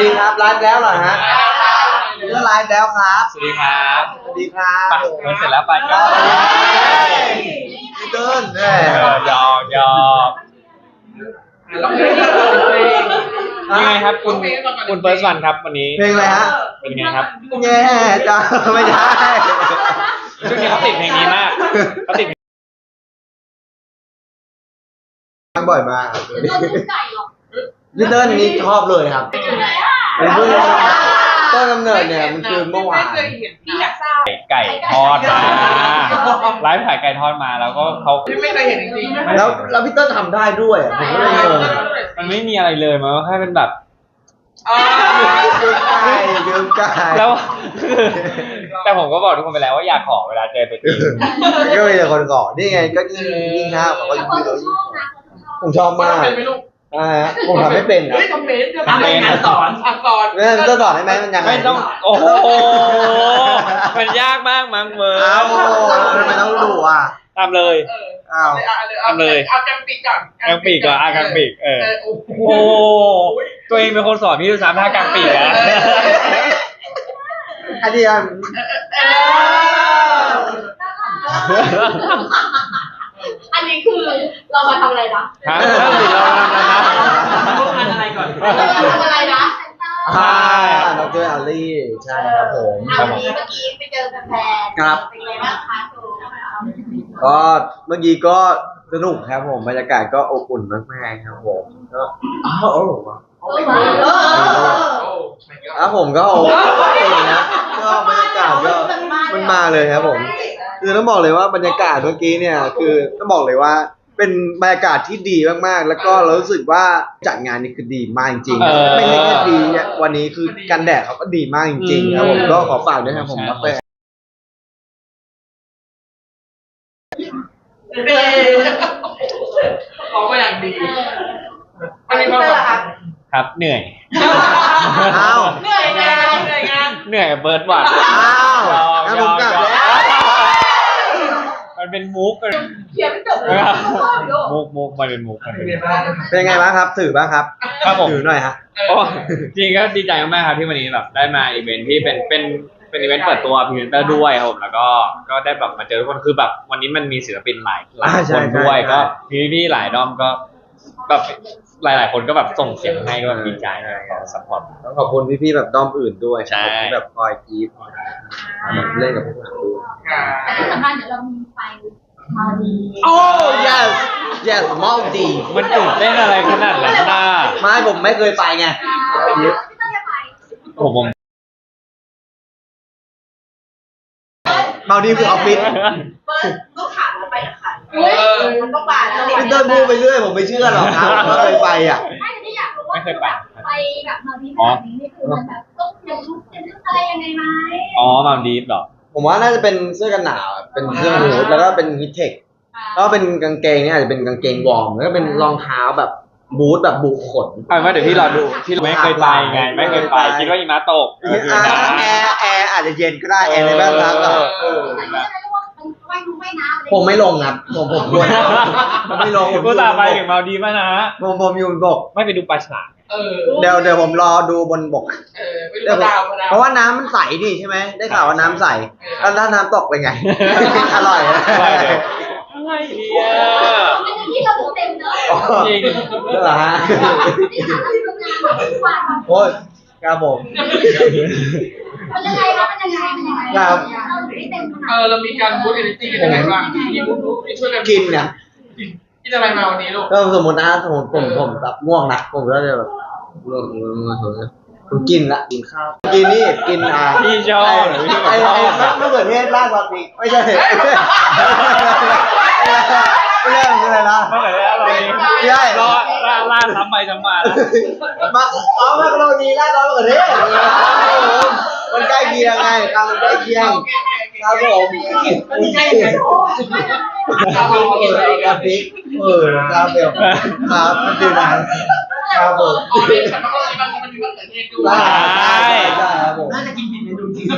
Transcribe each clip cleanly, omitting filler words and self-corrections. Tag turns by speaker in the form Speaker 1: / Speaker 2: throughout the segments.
Speaker 1: ดีครับไลฟ์แล้วเหรอฮะก็ไลฟ์แล้วครับ
Speaker 2: สวัสดีครับ
Speaker 1: สวัสดีครับ
Speaker 2: ไปเสร็จแล้วไปก็
Speaker 1: พี่เติ้ล
Speaker 2: หยอกยังไงครับคุณเฟิร์สวันครับวันนี้
Speaker 1: เพลงอะไรฮะ
Speaker 2: เป็นไงครับ
Speaker 1: แย่จ้าไม่ใช่
Speaker 2: ช่วงนี้เขาติดเพลงนี้มากเขาติด
Speaker 1: ฟังบ่อยมากพี่เติ้ลนี่ชอบเลยครับเป็นเพื่อนต้นกำเนิดเนี่ยมันคือเมื่อวาน
Speaker 2: ไก่ทอดมาไลฟ์ขายไก่ทอดมาแล้วก็เขา
Speaker 3: ไม่เคยเห็นจริงๆ
Speaker 1: แล้วพี่เติ้ลทำได้ด้วยผมก็เลยงง
Speaker 2: มันไม่มีอะไรเลยมันก็แค่เป็นแบบ
Speaker 1: ยืมไก่
Speaker 2: แล้วแต่ผมก็บอกทุกคนไปแล้วว่าอยากขอเวลาเจอตัวจริง
Speaker 1: ก็มีแต่คนขอนี่ไงก็ยิ่งห้าวเขาก็ยิ่งผมชอบมากผมทำไม่เป็นนะ
Speaker 3: ทำเป็นสอน
Speaker 1: เนี่ยจะสอนได้ไหมมันยังไง
Speaker 2: ไม่ต้องโอ้โหมันยากมากมั้งเมื่อ
Speaker 1: ทำไมต้องดู
Speaker 2: ทำเลย
Speaker 3: ทำเลยเอากางปีกก่อน
Speaker 2: กางปีกก่อนกางปีกโอ้ตัวเองเป็นคนสอนพี่ดูซ้ำท่ากางปีกแล้ว
Speaker 1: อันนี้
Speaker 4: อันนี้คือเรามาทำอะไรนะ
Speaker 2: ฮะถ้าสิเราทำ
Speaker 3: อะไรก่อน
Speaker 4: เราทำอะไรนะ
Speaker 1: ดร.อาลี่ใช่ครับผม
Speaker 4: วันนี้เมื่อกี้ไปเจอแฟนๆ
Speaker 1: ครับ
Speaker 4: เป็นไงบ้างคะ
Speaker 1: ก็เมื่อกี้ก็สนุกครับผมบรรยากาศก็อบอุ่นมากๆครับผมก็ครับผมก็โอเคนะก็บรรยากาศก็มันมาเลยครับผมคือต้องบอกเลยว่าบรรยากาศเมื่อกี้เนี่ยคือต้องบอกเลยว่าเป็นบรรยากาศที่ดีมากๆแล้วก็เรารู้สึกว่าจัดงานนี้คือดีมากจริงๆไม่ใช่แค่ดีวันนี้คือกันแดดเขาก็ดีมากจริงๆครับผมก็ขอฝากด้วยครับผมกาแฟ
Speaker 3: เขาก็อย่างดีอันนี้ก็
Speaker 2: ครับเหนื่อย
Speaker 3: เหนื่อยงาน
Speaker 2: เหนื่อยเบิร์ดหวาน
Speaker 1: งั้นผมกลับแล้ว
Speaker 2: มันเป็นมุก
Speaker 4: เขียนไม่จบเลย
Speaker 2: มุกมันเป็นมุก
Speaker 1: เป็นไงบ้างครับถือบ้างครับถือหน่อยฮะ
Speaker 2: จริงก็ดีใจมากๆครับที่วันนี้แบบได้มาอีเวนท์ที่เป็นอีเวนต์เปิดตัวพรีเซนเตอร์ด้วยครับแล้วก็ได้แบบมาเจอทุกคนคือแบบวันนี้มันมีศิลปินหลายคนด้วยก็พี่หลายด้อมก็แบบหลายคนก็แบบส่งเสียงให้ก็แบบดีใจอะไรก็ซัพพอร์ต
Speaker 1: ต้องขอบคุณพี่ๆแบบด้อมอื่นด้วย
Speaker 2: ที่
Speaker 1: แบบคอยกรี๊ดเล่นกับพวกเราด้วย
Speaker 4: แต่ที่สำคัญเดี๋ยวเรามีไฟมาดี
Speaker 1: yes มาดี
Speaker 2: มันตื่นเต้นอะไรขนาดนั้นน่ะ
Speaker 1: ไม่ผมไม่เคยไปไงผมมาดีคือออฟฟิศ
Speaker 4: ลูกถามเราไปกับใครมันต้องไป
Speaker 1: พี่เติ้ลพูดไปเรื่อยผมไม่เชื่อหรอกครับว่าเคยไป
Speaker 4: ไม่ที่อยากรู้ว่าไปแบบมาดีแบบนี้นี่คือมันแบบต้องยังลุกอะไรยังไงไหม
Speaker 2: มาดีหรอ
Speaker 1: ผมว่าน่าจะเป็นเสื้อกันหนาวเป็นเสื้อฮู้ดแล้วก็เป็นฮิทเทคแล้วเป็นกางเกงเนี่ยอาจจะเป็นกางเกงวอร์มแล้วก็เป็นรองเท้าแบบบูทแบบบุขน
Speaker 2: เดี๋ยวพี่รอดูพี่ไม่เคยไปไงไม่เคยไปคิดว่าหิมะตก
Speaker 1: แอร์อาจจะเย็นก็ได้แอร์ในบ้านพักผมไม่ลงครับผมไม่ลง
Speaker 2: ผมตาไปถึงมาดีมากนะ
Speaker 1: ผมอยู่บนบก
Speaker 2: ไม่ไปดูปลาฉลาม
Speaker 1: เดี๋ยวผมรอดูบนบกเพราะว่าน้ำมันใสดิใช่ไหมได้ข่าวว่าน้ำใสแล้วถ้าน้ำตกเป็นไงอร่อย
Speaker 2: อะไรเนี่ย
Speaker 4: ที่เราเต็มเนอะ
Speaker 2: จริง
Speaker 1: เหรอฮะโอ้ยครับผม
Speaker 4: มันยังไงครับ
Speaker 1: ครับ
Speaker 3: เรามีการบูสต์เอเนอร์จี้กันยังไงบ้างมีบูสต์ช่วยกัน
Speaker 1: กินเนี่ย
Speaker 3: กินอะไรมาวันนี้ลูก
Speaker 1: ก็สมมติผมแบบง่วงนะผมก็จะแบบผมกินละกินข้าวกินนี่กิน
Speaker 2: พี่ชอบ
Speaker 1: ไอ้มะเขือเทศราดซอสพริกไม่ใช่ไม่ใช่อะไรนะ
Speaker 2: มะเขือเทศเราดี
Speaker 1: ใช่
Speaker 2: ราดซ้ำไปซ้ำมา
Speaker 1: มามาโรนีราดซอสมะเขือเทศมันใกล้เคียงไงมันใกล้เคียงครับผม
Speaker 3: มันใกล้ไง
Speaker 1: ครับผมครับพริกครับเบลครับมันดีนะครับผม
Speaker 3: มันมีมะเขือเทศด้วย
Speaker 1: ใช่ครับผม
Speaker 3: น่าจะกินผิดเมนูจริง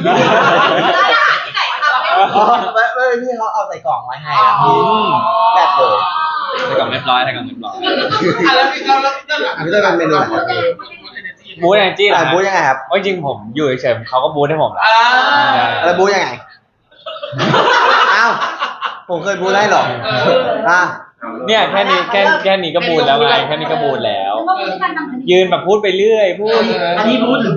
Speaker 1: ไม่พี่เขาเอาใส่กล่องไว้ให้พี่แบบเลย
Speaker 2: ใส่กล่องเรียบร้อย
Speaker 3: แล้วพี่เราเป็นเมนูอะไร
Speaker 2: บูธแอนจี้เหรอ
Speaker 1: บูธยังไงครับ
Speaker 2: จริงๆผมอยู่เฉยๆเขาก็บูธให้ผมแล้ว
Speaker 1: แล้วบูธยังไงอ้าวผมเคยบูธได้หรออ่ะ
Speaker 2: เนี่ยแค่นี้ก็บูธแล้วไงแค่นี้ก็บูธแล้ว ยืนแบบพูดไปเรื่อยพูด
Speaker 5: อันนี้บูธหรือบู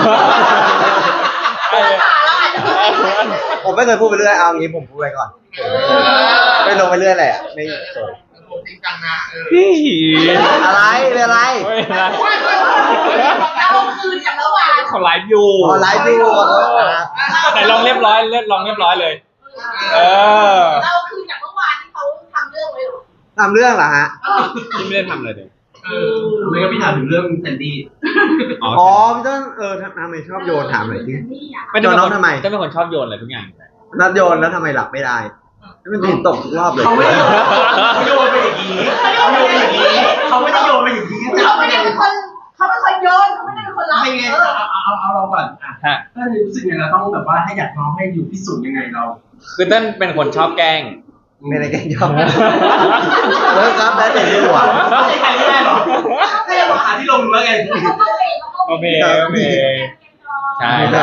Speaker 1: ผมไม่เคยพูดไปเรื่อยเอางี้ผมพูดไปก่อนไม่ลงไปเรื่อยเลยไม่เคย
Speaker 3: ผมจริงจังนะ
Speaker 1: อะไรเป็นอะไร
Speaker 2: ไม่เป็นไร
Speaker 4: เราคืนจากเมื่อวาน
Speaker 2: เขาไลฟ์อยู่
Speaker 1: ออนไลน์ดูขอโทษนะ
Speaker 2: แต่ลองเรียบร้อยลองเรียบร้อยเลย
Speaker 4: เราคืนจากเมื่อวานที่เขาทำเรื่องไว้หรอ
Speaker 1: ทำเรื่องเหรอฮะ
Speaker 2: ที่ไม่ได้ทำเลยเลย
Speaker 5: ไม่ก็พี่ถามถึงเรื่องแซนดี้
Speaker 1: อ๋อพี่ต้นทำไมชอบโยนถามหน่อยสิ
Speaker 2: ไม่ได้เป็น
Speaker 1: โยนน้
Speaker 2: ค
Speaker 1: อง
Speaker 2: น
Speaker 1: ทำไม
Speaker 2: จะเป็นคนชอบโยนอะไรทุกอย่าง
Speaker 1: นัดโยนแล้วทำไมหลับไม่ได้มันถึงตกทุกรอบเลย
Speaker 5: เขาไม่ได้โยนไปอย่างนี้เขาไม่ได้โยนไปอย่างนี้
Speaker 4: เขาไม่ได้เป็นคนโยนเขาไม่ได้เป็นคนรับ
Speaker 5: ไม่ไงเอาเราก่อนอ่ะถ้ารู้สึกไงเราต้องแบบว่าให้อยากน้องให้อยู่พิสูจน์ยังไงเรา
Speaker 2: คือเต้นเป็นคนชอบแกล้ง
Speaker 1: ไม่ได้แกล้งยอมเลิกครับแล้วแต่ที่หัว
Speaker 5: ไม่ใช่ใครไม่ได้หรอไม่ได้หาที่ลงแล้วไง
Speaker 2: โอเคใช่ครับ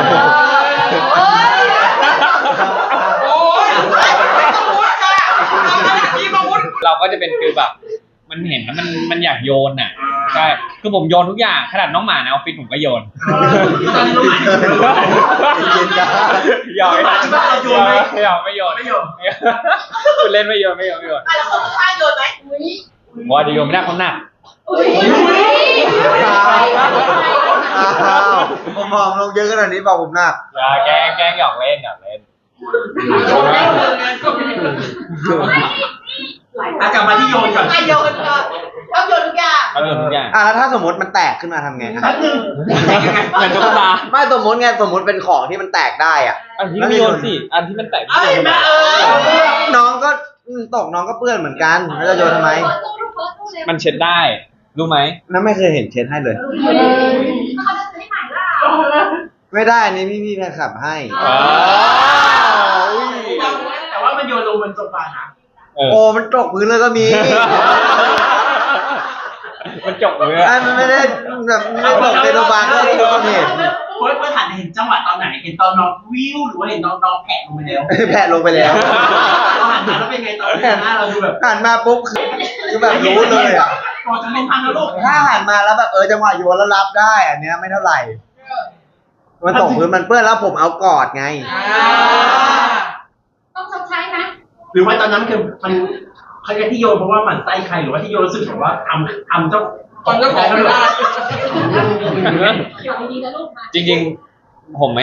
Speaker 3: โอ้ยพี่มาวุ้น
Speaker 2: เราก็จะเป็นคือแบบมันเห็นแล้วมันอยากโยนน่ะใช่คือผมโยนทุกอย่างขนาดน้องหมาในออฟฟิศผมก็โยน
Speaker 5: ตอนนี้น้องหมา
Speaker 2: หยอกไม่โยนคุณเล่นไม่โยน
Speaker 4: แล้วคนข้างโยนไหม
Speaker 2: ว่าจะโยนไม่ได้เขาหนัก
Speaker 1: อ้าวผมมองลงเยอะขนาดนี้บอกผมหนัก
Speaker 2: อย่าแกล้งหยอกเล่น
Speaker 5: กลับมาที่โยนก่อน
Speaker 4: โยนก่อนชอบโยนทุกอย่าง
Speaker 2: เขาโยนทุกอย่าง
Speaker 1: แล้วถ้าสมมติมันแตกขึ้นมาทำไงครับ
Speaker 5: แป๊บนึง
Speaker 2: เหมือนตุ๊กตา
Speaker 1: ไม่สมมติไงสมมติเป็นของที่มันแตกได้อ่ะ
Speaker 2: อันที่ไม่โยนสิอันที่มันแตก
Speaker 5: เอ้ยแม่
Speaker 1: น้องก็ตกน้องก็เปื้อนเหมือนกันแล้วจะโยนทำไม
Speaker 2: มันเช็ดได้รู้ไหม
Speaker 1: นั่นไม่เคยเห็นเช็ดให้เลย
Speaker 4: เขาจะซื้อให้ใหม่ล่ะ
Speaker 1: ไม่ได้นี่พี่แฟนคลับให้
Speaker 5: แต่ว่ามันโยนลงบนโซฟานะ
Speaker 1: โอ้มันตกพื้นเลยก็มี
Speaker 2: มันจบเลย
Speaker 1: ไอ้มันไม่ได้แบบไม่ตกในโรงพยาบาลก็ที่เราเห็น
Speaker 5: เพื่อนหันเห็นจังหวะตอนไหนเห็นตอนน้องวิวหรือว่าเห็นน้องแผะลงไปแล้ว
Speaker 1: แผลลงไปแล้ว
Speaker 5: เราหันมาแล้วเป็นไงตอนหน้าเราดูแบบ
Speaker 1: หันมาปุ๊บคือแบบรู้เลยอ่ะ
Speaker 5: ก่อนจะลงทางนรก
Speaker 1: ถ้าหันมาแล้วแบบจังหวะโยนแล้วรับได้อันเนี้ยไม่เท่าไหร่ มันตกพื้นมันเปื้อนแล้วผมเอากอดไง
Speaker 4: ต้องชดใช้ไหม
Speaker 5: หรือว่าตอนนั้นคือมันเขาจะที่โยนเพราะว่าหมั่นไส้ใครหรือว่าที่โยนรู้สึกแบบว่าทำเจ้า
Speaker 3: ตอนเจ้าของไม่ได้
Speaker 4: อยู่ดีๆนะลูกมา
Speaker 2: จริงๆผมไม่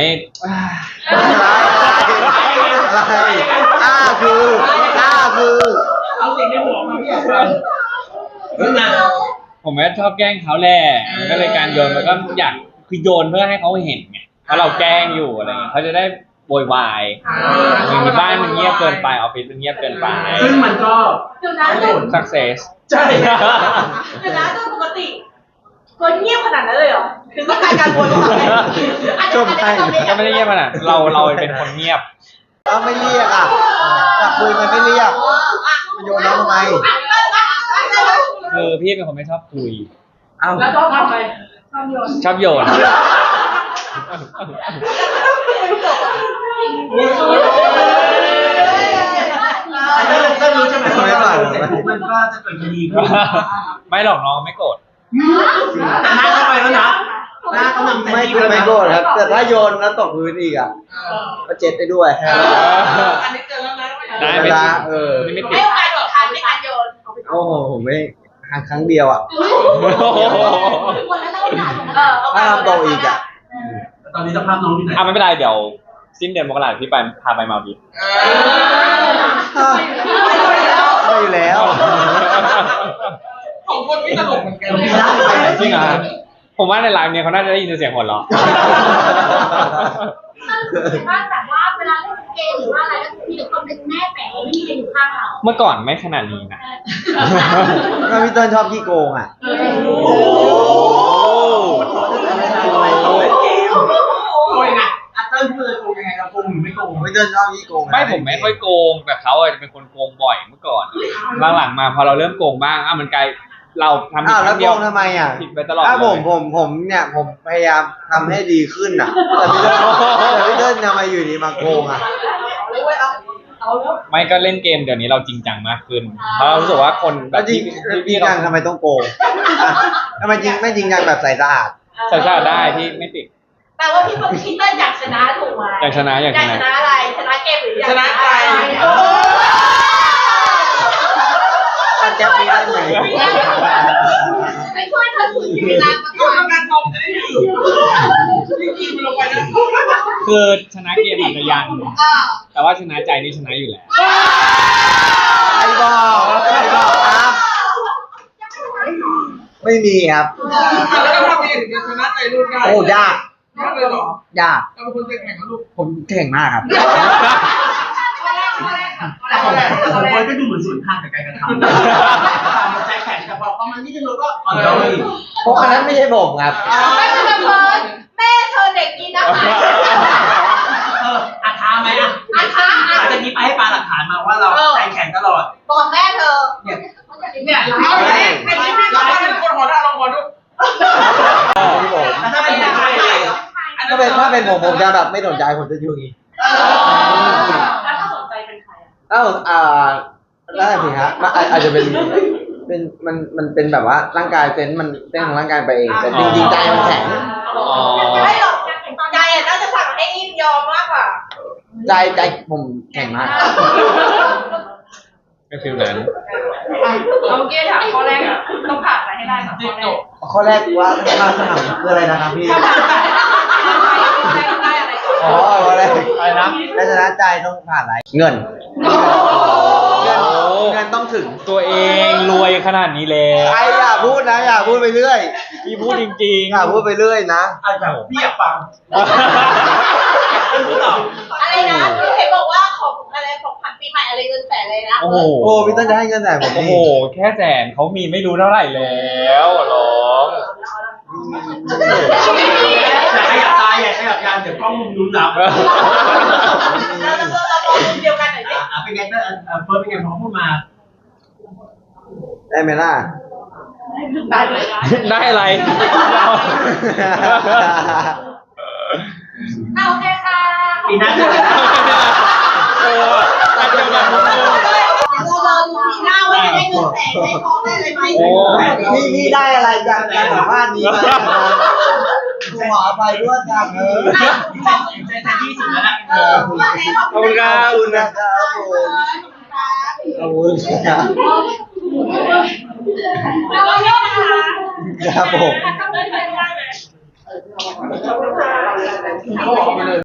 Speaker 1: อะไรคือ
Speaker 5: เอาสิ่งในหัวมาพี่อยากฟังนั่นนะ
Speaker 2: ผมไม่ชอบแกล้งเขาแหละมันก็เลยการโยนมันก็อยากคือโยนเพื่อให้เขาเห็นไงเพราะเราแกล้งอยู่อะไรเงี้ยเขาจะได้โวยวายบ้านมันเงียบเกินไปออฟฟิศมันเงียบเกินไป
Speaker 5: ซึ่งมันก็
Speaker 4: เดี๋ยวนะ
Speaker 5: ได้ผล
Speaker 2: success
Speaker 5: ใช่
Speaker 4: เดี๋ยวนะโดยปกติคนเงียบขนาดนั้นเลยเหรอถึงต้องการโวยวายอาจจะ
Speaker 2: ก็ไม่ได้เงียบขนาดเราเป็นคนเงียบ
Speaker 1: เราไม่เรียกอ่ะอยากคุยมันไม่เรียกมันโยนน้องทำไม
Speaker 2: คือพี่เป็นคนไม่ชอบคุย
Speaker 1: เอ้า
Speaker 3: แล้วชอบทำอะไร
Speaker 2: ชอบโยน
Speaker 5: ถ้ารู้ใช่ไหมว่าเสร็จปุ๊บมันก็จะเกิดคดีขึ้น
Speaker 2: ไม่หรอกน้องไม่โกรธ
Speaker 5: แต่หน้าเข้าไปแล้วนะหน้าเขานำแต่
Speaker 1: ไม่โกรธครับ แต่ถ้าโยนแล้วตกพื้นอีกอ่ะก็เจ็ดได้ด้วย
Speaker 3: อันนี้เจอแล้วนะ
Speaker 2: ได้
Speaker 1: เว
Speaker 2: ไม่
Speaker 1: ลา
Speaker 2: ติดไม่ติ
Speaker 4: ไม่
Speaker 2: ด
Speaker 4: โอกาสอีกครั้งในการโยน
Speaker 1: โอ้โหผมไม่ครั้งเดียวอ่ะ
Speaker 4: คนละเท่ากัน
Speaker 1: ถ้าทำโตอีกอ่ะ
Speaker 5: ตอนนี้สภาพน้องที่ไหน
Speaker 2: ไม่เป็นไรเดี๋ยวสิ้นเดือนมกราคมพี่ไปพาไปมาดีฟ
Speaker 1: ไม่อยู่แล้ว
Speaker 3: ของคนไม่ตลกเหมือนกัน
Speaker 2: จริงเหรอผมว่าในไลฟ์เนี่ยเขาน่าจะได้ยินเสียงหัวเราะ
Speaker 4: ว่าแบบว่าเวลาเล่นเกมหรือว่าอะไรก็มีแต่คนเป็นแม่แฝงไม่มีใครอยู่ข้างเรา
Speaker 2: เมื่อก่อนไม่ขนาดนี้นะ
Speaker 1: ถ้าพี่เติ้ลชอบขี้โกงอ่ะ
Speaker 5: โกงไงอัตเติ้ลเคยโกงยังไงเราโกงหรือไม่โกง
Speaker 1: พี่เติ้ลชอบขี้โกง
Speaker 2: ไม่ผมไม่ค่อยโกงแต่เขาจะเป็นคนโกงบ่อยเมื่อก่อนหลังๆมาพอเราเริ่มโกงบ้างมันกลายเราทำผิด
Speaker 1: แล้ว
Speaker 2: ครั้งเดียว
Speaker 1: โกงทำไมอ่ะ
Speaker 2: ผิดไปตลอด
Speaker 1: ถ้า
Speaker 2: เลย
Speaker 1: ผมเนี่ยผมพยายามทำให้ดีขึ้นอ่ะแต่พี่เติ้ลทำไมอยู่ดีมาโกงอ่ะ
Speaker 4: เอาแล้ว
Speaker 2: ไม่ก็เล่นเกมเดี๋ยวนี้เราจริงจังมากขึ้นเพราะเรารู้สึกว่าคนแบ
Speaker 1: แล้
Speaker 2: บ
Speaker 1: วจริง
Speaker 2: พี่
Speaker 1: จังทำไมต้องโกงอ่ะทำไมจริงไม่จริงจังแบบใส่สะอาด
Speaker 2: ใส่ชาได้ที่ไม่ติด
Speaker 4: แต่ว่าพี่เติ้ลอยากชนะถูกไหม
Speaker 2: อยากชนะอยากชนะ
Speaker 4: อะไรชนะเกมหรืออยาก
Speaker 3: ชนะใจ
Speaker 1: ตัดแก๊ปนี้ได้ไหม
Speaker 4: ไม่ช่วยเธอถึงเวลามาก่อน
Speaker 3: การตรงจะได้อยู่นี่กินมันลงไปนะ
Speaker 2: คือชนะเกมอาจจะยังแต่ว่าชนะใจนี่ชนะอยู่แล้ว
Speaker 1: ใครบอกครับ ไม่มีครับ
Speaker 3: แล้วก็ทำเองถึงจะชนะใจลูกได้
Speaker 1: โอ้ยาก
Speaker 3: ยากเลยเหรอย
Speaker 1: าก
Speaker 3: เราเป็นคนใจแข็งนะลูก
Speaker 1: ผมเก่งมากครับ
Speaker 5: แต่ของบอยก็ดูเหมือนสวนทางกับการกระทำใจแข็งแต่พอเขามันนิดนึงเราก็อ่อนเลย
Speaker 1: เพราะอันนั้นไม่ใช่ผมครับ
Speaker 4: ไม่เป็นไรแม่เธอเด็กกินอาหาร
Speaker 5: อาท้าไหมอ่ะ
Speaker 4: อาชา
Speaker 5: หลังจากนี้ไปให้ปาหลักฐานมาว่าเราใจแข็งตลอด
Speaker 4: บอกแม่เธอ
Speaker 5: เนี่ย
Speaker 4: เนี่ย
Speaker 3: เอาไปไอ้ที่พี่ทำให้ทุกคนหัวเราะลองหัวดู
Speaker 1: ที่ผม
Speaker 5: แล้วถ้าเป็นใคร
Speaker 1: ถ้าเป็นผมจะแบบไม่สนใจผมจะอยู่อย่างนี้
Speaker 4: แล้วถ้าสนใจเป็นใครอ่ะ
Speaker 1: อ้าวได้สิฮะมันอาจจะเป็นมันเป็นแบบว่าร่างกายเซนส์มันเต้นของร่างกายไปเองแต่จริงๆใจมันแข็ง
Speaker 4: ไม่หรอกใจอ่ะน่าจะสั่งให้อิมยอมมากกว่า
Speaker 1: ใจผมแข็งมาก
Speaker 2: ก็ฟิลนั้น
Speaker 4: เราเมื่อกี้ถามข้อแรกอ่ะต้องผ่านอะไรให้ได้ก่อนข้อแรก
Speaker 1: ข้อแรกว่าสนามคืออะไรนะครับพี่
Speaker 4: ได้อะไรก่อน
Speaker 1: อ๋อข้อแรก
Speaker 2: อะไรนะ
Speaker 1: และชนะใจต้องผ่านอะไรเงินเงินต้องถึง
Speaker 2: ตัวเองรวยขนาดนี้แล้ว
Speaker 1: ใครอย่าพูดนะอย่าพูดไปเรื่อย
Speaker 2: พี่พูดจริง
Speaker 1: อย่าพูดไปเรื่อยนะ
Speaker 5: แบบพี่อยากฟัง
Speaker 4: อะไรนะเห็นบอกว่าของอะไรของขวัญปีใหม่อะไรเงินแสนเลยนะ
Speaker 2: โอ้โห
Speaker 1: โอ้พี่ต้นจะให้เงินแต่ผม
Speaker 2: โอ้
Speaker 1: นี่
Speaker 2: โหแค่แสนเขามีไม่รู้เท่าไหร่แล้วร้อง
Speaker 5: แต่ขยับตาอย่าขยับยานเดี๋ยวกล้องมุมนู้นรับ
Speaker 4: แล้วเราบอกเดียวกันหน่อยสิ
Speaker 5: เป็นไงก็เฟิร์สเป็นไงพอพูดมา
Speaker 1: ได้ไหมล่ะ
Speaker 4: ได้เลย
Speaker 2: ได้อะไร
Speaker 4: โอเคค่ะ
Speaker 5: ปีหน้าเจอกันนะ
Speaker 2: โอ้อันเดียวกันหมดเลย
Speaker 4: เราดูปีหน้าว่าจะได้เงินแสนได้ทองได้อะไรไหม
Speaker 2: โอ้
Speaker 1: พี่ได้อะไรจากการสัมภาษณ์นี้มาขออภัยด้วยครับ
Speaker 5: ใจแทนที่สุดแล้วนะ
Speaker 2: ขอบคุณครับ
Speaker 1: ขอบคุณนะครับผมขอบคุณครับ
Speaker 4: เราเยอะนะคะ
Speaker 1: ครับผม
Speaker 4: ทำได้เลย